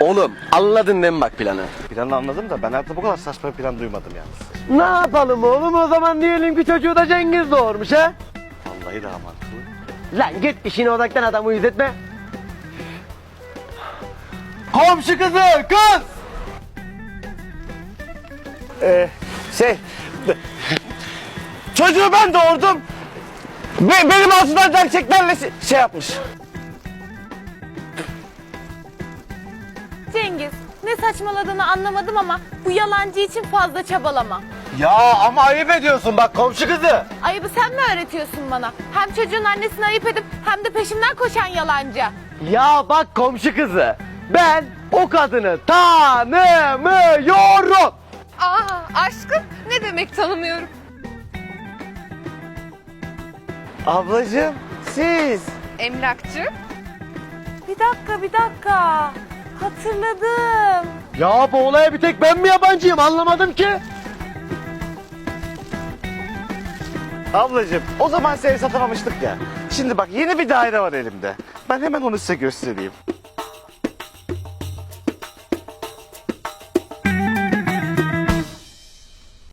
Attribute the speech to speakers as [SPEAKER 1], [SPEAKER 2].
[SPEAKER 1] Oğlum anladın değil mi bak planı?
[SPEAKER 2] Planı anladım da ben hayatımda bu kadar saçma bir plan duymadım yalnız.
[SPEAKER 1] Ne yapalım oğlum o zaman diyelim ki çocuğu da Cengiz doğurmuş ha?
[SPEAKER 2] Vallahi daha mantıklı.
[SPEAKER 1] Lan git işine odaklan adamı uyuz etme. Komşu kızı kız!
[SPEAKER 2] Şey... Çocuğu ben doğurdum. Benim ağzımdan gerçeklerle şey yapmış.
[SPEAKER 3] Cengiz, ne saçmaladığını anlamadım ama bu yalancı için fazla çabalama.
[SPEAKER 1] Ya ama ayıp ediyorsun bak komşu kızı.
[SPEAKER 3] Ayıbı sen mi öğretiyorsun bana? Hem çocuğun annesini ayıp edip hem de peşimden koşan yalancı.
[SPEAKER 1] Ya bak komşu kızı. Ben o kadını tanımıyorum.
[SPEAKER 4] Aa aşkım ne demek tanımıyorum.
[SPEAKER 2] Ablacığım siz.
[SPEAKER 4] Emlakçı.
[SPEAKER 3] Bir dakika. Hatırladım.
[SPEAKER 1] Ya bu olaya bir tek ben mi yabancıyım anlamadım ki.
[SPEAKER 2] Ablacığım o zaman seni satamamıştık ya. Şimdi bak yeni bir daire var elimde. Ben hemen onu size göstereyim.